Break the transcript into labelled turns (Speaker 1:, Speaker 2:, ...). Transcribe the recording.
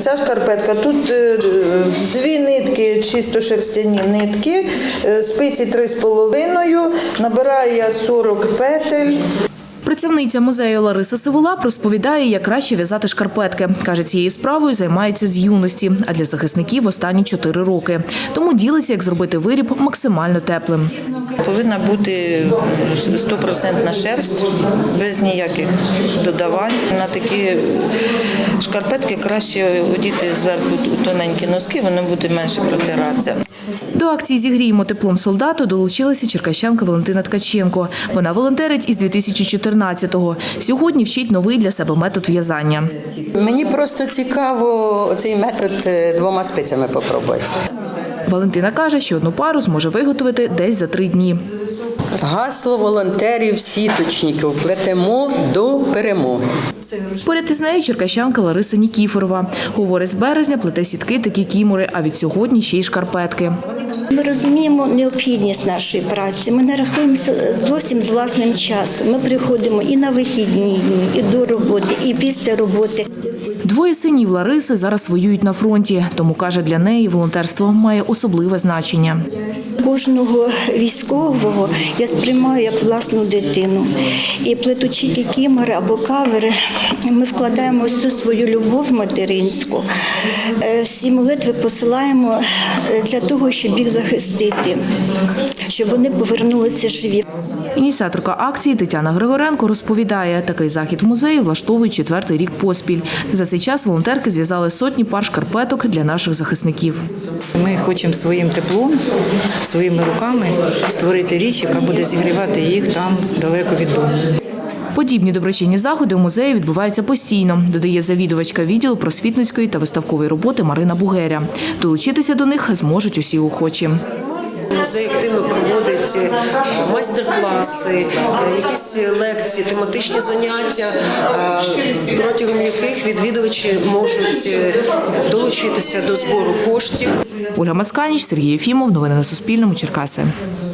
Speaker 1: Ця шкарпетка, тут 2 нитки, чисто шерстяні нитки, спиці 3,5, набираю я 40 петель.
Speaker 2: Працівниця музею Лариса Сивулап розповідає, як краще в'язати шкарпетки. Каже, цією справою займається з юності, а для захисників останні 4 роки. Тому ділиться, як зробити виріб максимально теплим.
Speaker 1: Повинна бути 100% шерсть, без ніяких додавань. На такі шкарпетки краще одіти зверху тоненькі носки, вони будуть менше протиратися.
Speaker 2: До акції «Зігріємо теплом солдату» долучилася черкащанка Валентина Ткаченко. Вона волонтерить із 2014-го. Сьогодні вчить новий для себе метод в'язання.
Speaker 3: Мені просто цікаво цей метод 2 спицями попробувати.
Speaker 2: Валентина каже, що одну пару зможе виготовити десь за 3 дні.
Speaker 3: Гасло волонтерів-сіточників «Плетемо до перемоги».
Speaker 2: Поряд із нею черкащанка Лариса Нікіфорова. Говорить, з березня плете сітки та кікімори, а від сьогодні ще й шкарпетки.
Speaker 4: Ми розуміємо необхідність нашої праці. Ми не рахуємося зовсім з власним часом. Ми приходимо і на вихідні дні, і до роботи, і після роботи.
Speaker 2: 2 синів Лариси зараз воюють на фронті, тому, каже, для неї волонтерство має особливе значення.
Speaker 4: Кожного військового я сприймаю як власну дитину. І плетучи кікімори або кавери, ми вкладаємо всю свою любов материнську. Всі молитви посилаємо для того, щоб їх захистити, щоб вони повернулися живі.
Speaker 2: Ініціаторка акції Тетяна Григоренко розповідає, такий захід в музеї влаштовують 4-й рік поспіль. За цей час волонтерки зв'язали сотні пар шкарпеток для наших захисників.
Speaker 5: Ми хочемо своїм теплом, своїми руками створити річ, яка буде зігрівати їх там далеко від дому.
Speaker 2: Подібні доброчинні заходи у музеї відбуваються постійно, додає завідувачка відділу просвітницької та виставкової роботи Марина Бугеря. Долучитися до них зможуть усі охочі.
Speaker 6: Музей активно проводить майстер-класи, якісь лекції, тематичні заняття, протягом яких відвідувачі можуть долучитися до збору коштів.
Speaker 2: Ольга Мацканіч, Сергій Єфімов. Новини на Суспільному. Черкаси.